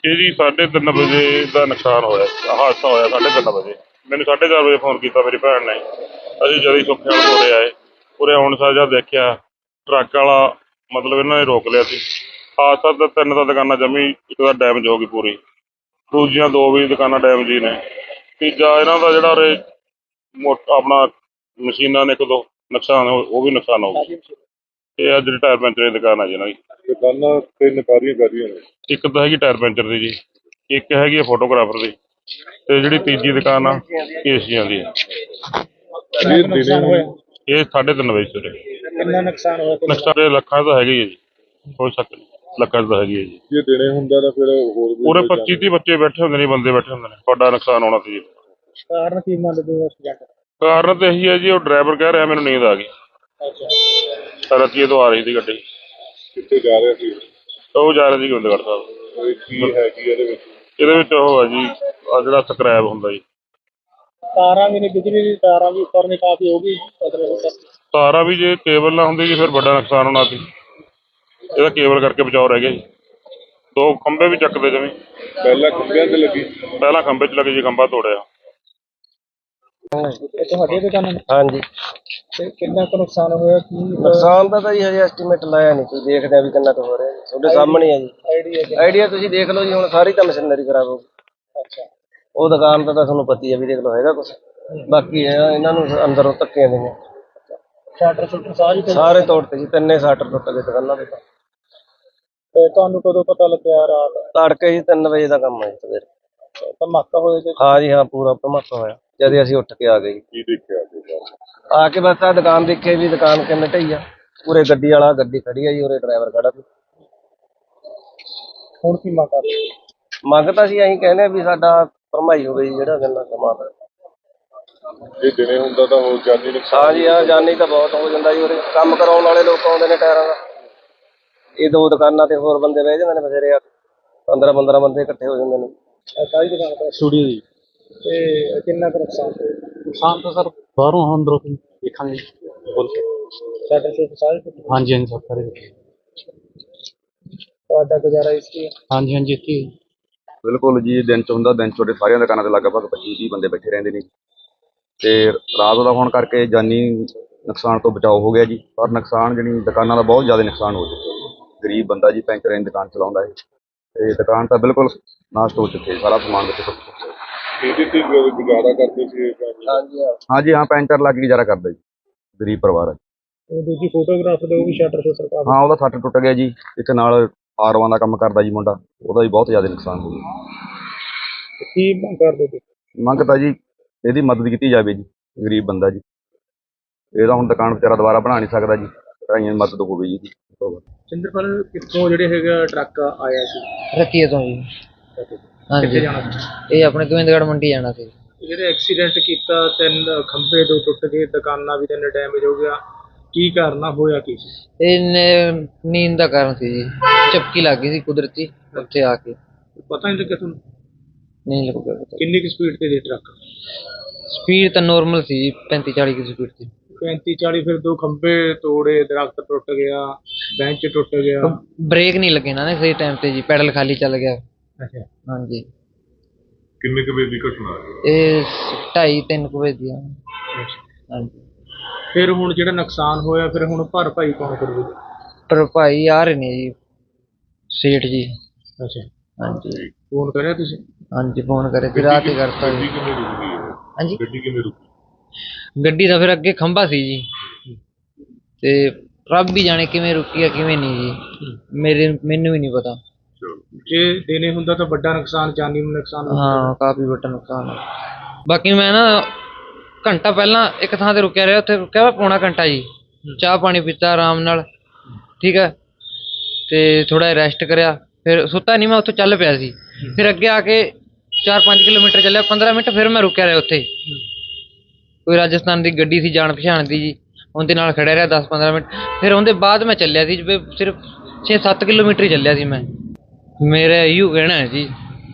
ਇਹ ਜੀ 3:30 ਵਜੇ ਦਾ ਨੁਕਸਾਨ ਹੋਇਆ, ਹਾਦਸਾ ਹੋਇਆ 3:30 ਵਜੇ। ਮੈਨੂੰ 4:30 ਵਜੇ ਫੋਨ ਕੀਤਾ ਮੇਰੀ ਭੈਣ ਨੇ। ਅਸੀਂ ਜਦੋਂ ਹੀ ਸੁੱਖੇ ਵਾਲੇ ਉਰੇ ਆਏ, ਉਰੇ ਆਉਣ ਸਾਰ ਜਦ ਦੇਖਿਆ ਟਰੱਕ ਵਾਲਾ ਮਤਲਬ ਇਹਨਾਂ ਨੇ ਰੋਕ ਲਿਆ ਸੀ। ਹਾਦਸਾ ਤਾਂ 3 ਤਾਂ ਦੁਕਾਨਾਂ ਜਮੀ, ਇੱਕ ਤਾਂ ਡੈਮੇਜ ਹੋ ਗਈ ਪੂਰੀ, ਦੂਜੀਆਂ 2 ਵੀ ਦੁਕਾਨਾਂ ਡੈਮੇਜ ਹੀ ਨੇ। ਤੀਜਾ ਇਹਨਾਂ ਦਾ ਜਿਹੜਾ ਉਰੇ ਆਪਣਾ ਮਸ਼ੀਨਾਂ ਨੇ 1-2 ਨੁਕਸਾਨ ਉਹ ਵੀ ਨੁਕਸਾਨ ਹੋ ਗਿਆ। ਇਹ ਆ ਜਿਹੜੀ ਟਾਇਰ ਪੈਂਚਰ ਦੀ ਦੁਕਾਨ ਆ ਜੀ ਇਹਨਾਂ ਦੀ। ਦੁਕਾਨਾਂ 3 ਕਾਰੀਆਂ ਨੇ। ਇੱਕ ਤਾਂ ਹੈਗੀ ਟਾਇਰ ਪੈਂਚਰ ਦੀ ਜੀ, ਇੱਕ ਹੈਗੀ ਆ ਫੋਟੋਗ੍ਰਾਫਰ ਦੀ, ਤੇ ਜਿਹੜੀ ਤੀਜੀ ਦੁਕਾਨ ਆ ਏਸੀਆਂ ਦੀ ਆ। ਇਹ ਦਿਨੇ ਹੋਇਆ, ਇਹ 3:30 ਵਜੇ ਸਵੇਰੇ। ਕਿੰਨਾ ਨੁਕਸਾਨ ਹੋਇਆ? ਨੁਕਸਾਨ ਲੱਖਾਂ ਦਾ ਹੈਗਾ ਹੀ ਹੈ ਜੀ, ਕੋਈ ਸ਼ੱਕ ਨਹੀਂ, ਲੱਖਾਂ ਦਾ ਹੈਗੀ ਹੈ ਜੀ। ਜੇ ਦਿਨੇ ਹੁੰਦਾ ਤਾਂ ਫਿਰ ਹੋਰ ਵੀ ਪੂਰੇ 25-30 ਬੱਚੇ ਬੈਠੇ ਹੁੰਦੇ ਨੇ, ਬੰਦੇ ਬੈਠੇ ਹੁੰਦੇ ਨੇ, ਵੱਡਾ ਨੁਕਸਾਨ ਹੋਣਾ ਸੀ ਜੀ। ਕਾਰਨ ਕੀ ਮੰਨਦੇ ਹੋ ਐਕਸੀਡੈਂਟ? ਕਾਰਨ ਤਾਂ ਇਹੀ ਹੈ ਜੀ, ਉਹ ਡਰਾਈਵਰ ਕਹਿ ਰਿਹਾ ਮੈਨੂੰ ਨੀਂਦ ਆ ਗਈ। ਅੱਛਾ, ਰਤੀਏ ਤੋਂ ਆ ਰਹੀ ਸੀ ਗੱਡੀ। ਕਿੱਥੇ ਜਾ ਰਿਹਾ ਸੀ? ਉਹ ਜਾ ਰਹੇ ਸੀ ਗੋਬਿੰਦਗੜ੍ਹ ਸਾਹਿਬ। ਇਹ ਕੀ ਹੈ ਕੀ ਇਹਦੇ ਵਿੱਚ? ਇਹਦੇ ਵਿੱਚ ਉਹ ਆ ਜੀ, ਆ ਜਿਹੜਾ ਸਕ੍ਰੈਪ ਹੁੰਦਾ ਜੀ। ਤਾਰਾਂ ਵੀ ਨੇ, ਬਿਜਲੀ ਦੀ ਤਾਰਾਂ ਵੀ ਉੱਪਰ ਨੇ ਕਾਫੀ ਹੋ ਗਈ। ਤਾਰਾਂ ਵੀ ਜੇ ਕੇਬਲ ਨਾ ਹੁੰਦੀ ਜੀ ਫਿਰ ਵੱਡਾ ਨੁਕਸਾਨ ਹੋਣਾ ਸੀ। ਇਹਦਾ ਕੇਬਲ ਕਰਕੇ ਬਚਾਓ ਰਹਿ ਗਿਆ ਜੀ। 2 ਖੰਭੇ ਵੀ ਚੱਕਦੇ ਜਿਵੇਂ। ਪਹਿਲਾਂ ਖੰਭਿਆਂ ਤੇ ਲੱਗੀ, ਪਹਿਲਾਂ ਖੰਭੇ 'ਚ ਲੱਗੇ ਜੀ, ਖੰਭਾ ਤੋੜਿਆ। ਇਹ ਤੁਹਾਡੇ ਦੁਕਾਨ? ਹਾਂਜੀ। ਤੇ ਕਿੰਨਾ ਕੁ ਨੁਕਸਾਨ ਹੋਇਆ? ਕੀ ਨੁਕਸਾਨ ਦਾ ਤਾਂ ਜੀ ਹਜੇ ਐਸਟੀਮੇਟ ਲਾਇਆ ਨਹੀਂ, ਕੋਈ ਦੇਖਦੇ ਆ ਵੀ ਕਿੰਨਾ ਕੁ ਹੋ ਰਿਹਾ। ਤੁਹਾਡੇ ਸਾਹਮਣੇ ਆ ਜੀ ਆਈਡੀਆ, ਤੁਸੀਂ ਦੇਖ ਲਓ ਜੀ। ਹੁਣ ਸਾਰੀ ਤਾਂ ਮਸ਼ੀਨਰੀ ਖਰਾਬ ਹੋ ਗਈ। ਅੱਛਾ, ਉਹ ਦੁਕਾਨ ਦਾ ਤਾਂ ਤੁਹਾਨੂੰ ਪਤਾ ਹੀ ਆ ਵੀ, ਦੇਖ ਲਓ ਹੈਗਾ ਕੁਛ। ਬਾਕੀ ਇਹਨਾਂ ਨੂੰ ਅੰਦਰੋਂ ਧੱਕੀਆਂ ਦੇਣੀਆਂ। ਸ਼ਟਰ ਸਾਰੇ ਤੋੜਤੇ ਜੀ, 3 ਸ਼ਟਰ ਟੁੱਟ ਗਏ ਦੁਕਾਨਾਂ ਦੇ। ਤੇ ਤੁਹਾਨੂੰ ਕਦੋਂ ਪਤਾ ਲੱਗਿਆ? ਰਾਤ ਤੜਕੇ ਜੀ 3 ਵਜੇ ਦਾ ਕੰਮ ਹੈ ਜੀ ਸਵੇਰੇ। ਧਮਾਕਾ ਹੋਇਆ ਤੇ ਹਾਂ ਜੀ ਹਾਂ, ਪੂਰਾ ਧਮਾਕਾ ਹੋਇਆ ਜਦ ਅਸੀਂ ਉੱਠ ਕੇ ਆ ਗਏ ਜੀ। ਕੀ ਦੇਖਿਆ? ਆ ਕੇ ਬਸ ਆ ਦੁਕਾਨ ਦੇਖੇ ਵੀ, ਦੁਕਾਨ ਕਿੰਨੇ ਢਈ ਆ। ਉਰੇ ਗੱਡੀ ਵਾਲਾ, ਗੱਡੀ ਖੜੀ ਆ ਜੀ, ਉਰੇ ਡਰਾਈਵਰ ਖੜਾ ਸੀ। ਹੁਣ ਕੀ ਮੰਗ ਕਰਦੇ? ਮੰਗ ਤਾਂ ਅਸੀਂ ਇਹੀ ਕਹਿੰਦੇ ਆ ਵੀ ਸਾਡਾ ਭਰਮਾਈ ਹੋਵੇ ਜੀ, ਜਿਹੜਾ ਗੰਨਾ ਸਮਾਨ ਹੈ। ਜੇ ਦਿਨੇ ਹੁੰਦਾ ਤਾਂ ਹੋਰ ਜਾਨੀ ਨੁਕਸਾਨ? ਹਾਂ ਜੀ ਹਾਂ, ਜਾਨੀ ਤਾਂ ਬਹੁਤ ਹੋ ਜਾਂਦਾ ਜੀ। ਉਰੇ ਕੰਮ ਕਰਾਉਣ ਵਾਲੇ ਲੋਕ ਆਉਂਦੇ ਨੇ ਟਾਇਰਾਂ ਦਾ। ਇਹ 2 ਦੁਕਾਨਾਂ ਤੇ ਹੋਰ ਬੰਦੇ ਬਹਿ ਜਾਂਦੇ ਨੇ ਬਥੇਰੇ, 15-15 ਬੰਦੇ ਇਕੱਠੇ ਹੋ ਜਾਂਦੇ ਨੇ। ਸਾਰੀ ਦੁਕਾਨ ਤੇ ਸਟੂਡੀਓ ਦੀ। ਤੇ ਕਿੰਨਾ ਕੁ ਨੁਕਸਾਨ ਹੋਇਆ? ਨੁਕਸਾਨ ਤਾਂ ਸਰ ਬਾਹਰੋਂ ਅੰਦਰੋਂ ਦੇਖਾਂਗੇ ਬੋਲ ਕੇ। ਸ਼ਟਰ ਸਾਰੇ ਟੁੱਟ ਗਏ? ਹਾਂਜੀ ਹਾਂਜੀ ਸਰ, ਸਾਰੇ। ਤੁਹਾਡਾ ਗੁਜ਼ਾਰਾ ਇਸ ਕੀ? ਹਾਂਜੀ ਹਾਂਜੀ, ਇੱਥੇ ਬਿਲਕੁਲ ਜੀ। ਦਿਨ 'ਚ ਹੁੰਦਾ, ਦਿਨ 'ਚ ਤੁਹਾਡੇ ਸਾਰੀਆਂ ਦੁਕਾਨਾਂ ਤੇ ਲਗਭਗ 25-30 ਬੰਦੇ ਬੈਠੇ ਰਹਿੰਦੇ ਨੇ ਤੇ ਰਾਤ ਦਾ ਹੋਣ ਕਰਕੇ ਜਾਨੀ ਨੁਕਸਾਨ ਤੋਂ ਬਚਾਓ ਹੋ ਗਿਆ ਜੀ। ਪਰ ਨੁਕਸਾਨ ਜਿਹੜੀ ਦੁਕਾਨਾਂ ਦਾ ਬਹੁਤ ਜ਼ਿਆਦਾ ਨੁਕਸਾਨ ਹੋ ਚੁੱਕਿਆ। ਗਰੀਬ ਬੰਦਾ ਜੀ ਪੈਂਚਰਾਂ ਦੀ ਦੁਕਾਨ ਚਲਾਉਂਦਾ ਹੈ ਤੇ ਦੁਕਾਨ ਤਾਂ ਬਿਲਕੁਲ ਨਾਸ਼ ਹੋ ਚੁੱਕੀ ਹੈ, ਸਾਰਾ ਸਮਾਨ ਵਿੱਚ ਟੁੱਟ ਚੁੱਕਿਆ। ਇਹਦੇ ਤੇ ਗੁਜ਼ਾਰਾ ਕਰਦੇ ਸੀ? ਹਾਂਜੀ ਹਾਂ। ਹਾਂਜੀ ਹਾਂ, ਪੈਂਚਰ ਲੱਗ ਕੇ ਗੁਜ਼ਾਰਾ ਕਰਦਾ ਜੀ, ਗਰੀਬ ਪਰਿਵਾਰ ਹੈ। ਉਹ ਦੂਜੀ ਫੋਟੋਗ੍ਰਾਫਰ ਦੇ ਉਹ ਵੀ ਸ਼ਟਰ ਕਾਫੀ? ਹਾਂ, ਉਹਦਾ ਸੱਟ ਟੁੱਟ ਗਿਆ ਜੀ। ਇੱਕ ਨਾਲ ਆਰਵਾਂ ਦਾ ਕੰਮ ਕਰਦਾ ਜੀ ਮੁੰਡਾ, ਉਹਦਾ ਵੀ ਬਹੁਤ ਜ਼ਿਆਦਾ ਨੁਕਸਾਨ ਹੋ ਗਿਆ। ਕੀ ਮੰਗ ਕਰਦੇ ਸੀ? ਮੰਗ ਤਾਂ ਜੀ ਇਹਦੀ ਮਦਦ ਕੀਤੀ ਜਾਵੇ ਜੀ, ਗਰੀਬ ਬੰਦਾ ਜੀ। ਇਹਦਾ ਹੁਣ ਦੁਕਾਨ ਵਿਚਾਰਾ ਦੁਬਾਰਾ ਬਣਾ ਨਹੀਂ ਸਕਦਾ ਜੀ, ਢਾਈਆਂ ਦੀ ਮਦਦ ਹੋਵੇ ਜੀ। ਸਿੰਦਰਪਾਲ, ਕਿੱਥੋਂ ਜਿਹੜੇ ਹੈਗਾ ਟਰੱਕ ਆਇਆ ਸੀ? ਰਤੀਏ ਤੋਂ ਜੀ। ਹਾਂਜੀ, ਕਿੱਥੇ ਜਾਣਾ ਸੀ? ਇਹ ਆਪਣੇ ਗੋਬਿੰਦਗੜ੍ਹ ਮੰਡੀ ਜਾਣਾ ਸੀ। ਜਿਹੜੇ ਐਕਸੀਡੈਂਟ ਕੀਤਾ, 3 ਖੰਭੇ 2 ਟੁੱਟ ਗਏ, ਦੁਕਾਨਾਂ ਵੀ 3 ਡੈਮੇਜ ਹੋ ਗਿਆ, ਕੀ ਕਾਰਨ ਹੋਇਆ? ਕੀ ਸੀ? ਇਹ ਨੀਂਦ ਦਾ ਕਾਰਨ ਸੀ ਜੀ, ਝਪਕੀ ਲੱਗ ਗਈ ਸੀ ਕੁਦਰਤੀ ਉੱਥੇ ਆ ਕੇ। ਪਤਾ ਨਹੀਂ ਲੱਗਿਆ ਤੁਹਾਨੂੰ? ਨਹੀਂ ਲੱਗਿਆ ਪਤਾ। ਕਿੰਨੀ ਕੁ ਸਪੀਡ ਤੇ ਸੀ ਟਰੱਕ? ਸਪੀਡ ਤਾਂ ਨੋਰਮਲ ਸੀ ਜੀ, 35-40 ਦੀ ਸਪੀਡ ਸੀ। 35-40? ਫਿਰ 2 ਖੰਭੇ ਤੋੜੇ, ਦਰਖਤ ਟੁੱਟ ਗਿਆ, ਬੈਂਚ ਟੁੱਟ ਗਿਆ। ਬ੍ਰੇਕ ਨਹੀਂ ਲੱਗੇ ਨਾ ਸਹੀ ਟਾਈਮ ਤੇ ਜੀ, ਪੈਡਲ ਖਾਲੀ ਚੱਲ ਗਿਆ। ਅੱਛਾ, ਹਾਂਜੀ। ਕਿੰਨੇ ਕੁ ਵਜੇ ਦੀ ਘਟਨਾ? ਇਹ 2:30-3 ਵਜੇ ਦੀ ਆ। ਹਾਂਜੀ। ਫਿਰ ਹੁਣ ਜਿਹੜਾ ਨੁਕਸਾਨ ਹੋਇਆ, ਫਿਰ ਹੁਣ ਭਰਪਾਈ ਕੌਣ ਕਰੂਗਾ? ਪਰ ਭਾਈ ਆ ਰਹੇ ਨੇ ਜੀ, ਸੇਠ ਜੀ। ਅੱਛਾ, ਹਾਂਜੀ। ਫੋਨ ਕਰਿਆ ਤੁਸੀਂ? ਹਾਂਜੀ, ਫੋਨ ਕਰੇ ਸੀ, ਰਾਤ ਹੀ ਕਰਤਾ ਜੀ। ਕਿਵੇਂ ਰੁਕੀ? ਹਾਂਜੀ, ਗੱਡੀ ਕਿਵੇਂ ਰੁਕੀ? ਗੱਡੀ ਦਾ ਫਿਰ ਅੱਗੇ ਖੰਭਾ ਸੀ ਜੀ, ਤੇ ਰੱਬ ਵੀ ਜਾਣੇ ਕਿਵੇਂ ਰੁਕੀ ਆ ਕਿਵੇਂ ਨਹੀਂ ਜੀ, ਮੈਨੂੰ ਵੀ ਨਹੀਂ ਪਤਾ। ਜੇ ਦਿਨੇ ਹੁੰਦਾ ਤਾਂ ਵੱਡਾ ਨੁਕਸਾਨ, ਜਾਨੀ ਨੂੰ ਨੁਕਸਾਨ। ਹਾਂ, ਕਾਫੀ ਵੱਡਾ ਨੁਕਸਾਨ ਹੈ। ਬਾਕੀ ਮੈਂ ਨਾ ਘੰਟਾ ਪਹਿਲਾਂ ਇੱਕ ਥਾਂ ਤੇ ਰੁਕਿਆ ਰਿਹਾ, ਉੱਥੇ ਰੁਕਿਆ ਪੌਣਾ ਘੰਟਾ ਜੀ, ਚਾਹ ਪਾਣੀ ਪੀਤਾ ਆਰਾਮ ਨਾਲ, ਠੀਕ ਹੈ, ਤੇ ਥੋੜਾ ਰੈਸਟ ਕਰਿਆ, ਫਿਰ ਸੁੱਤਾ ਨਹੀਂ ਮੈਂ, ਉੱਥੋਂ ਚੱਲ ਪਿਆ ਸੀ। ਫਿਰ ਅੱਗੇ ਆ ਕੇ 4-5 ਕਿਲੋਮੀਟਰ ਚੱਲਿਆ, 15 ਮਿੰਟ ਫਿਰ ਮੈਂ ਰੁਕਿਆ ਰਿਹਾ ਉੱਥੇ। ਕੋਈ ਰਾਜਸਥਾਨ ਦੀ ਗੱਡੀ ਸੀ ਜਾਣ ਪਛਾਣ ਦੀ ਜੀ, ਉਹਦੇ ਨਾਲ ਖੜਿਆ ਰਿਹਾ 10-15 ਮਿੰਟ। ਫਿਰ ਉਹਦੇ ਬਾਅਦ ਮੈਂ ਚੱਲਿਆ ਸੀ, ਸਿਰਫ 6-7 ਕਿਲੋਮੀਟਰ ਹੀ ਚੱਲਿਆ ਸੀ ਮੈਂ। ਮੇਰਾ ਇਹੀਓ ਕਹਿਣਾ ਹੈ ਜੀ,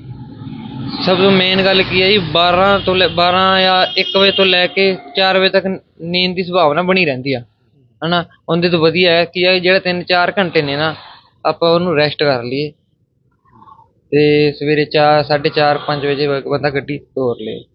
ਸਭ ਤੋਂ ਮੇਨ ਗੱਲ ਕੀ ਹੈ ਜੀ, 12 ਜਾਂ 1 ਵਜੇ ਤੋਂ ਲੈ ਕੇ 4 ਵਜੇ ਤੱਕ ਨੀਂਦ ਦੀ ਸੰਭਾਵਨਾ ਬਣੀ ਰਹਿੰਦੀ ਆ, ਹੈ ਨਾ। ਉਹਦੇ ਤੋਂ ਵਧੀਆ ਹੈ ਕਿ ਜਿਹੜਾ 3-4 ਘੰਟੇ ਨੇ ਨਾ, ਆਪਾਂ ਉਹਨੂੰ ਰੈਸਟ ਕਰ ਲਈਏ, ਤੇ ਸਵੇਰੇ 4 4:30 5 ਵਜੇ ਬੰਦਾ ਗੱਡੀ ਤੋਰ ਲਏ।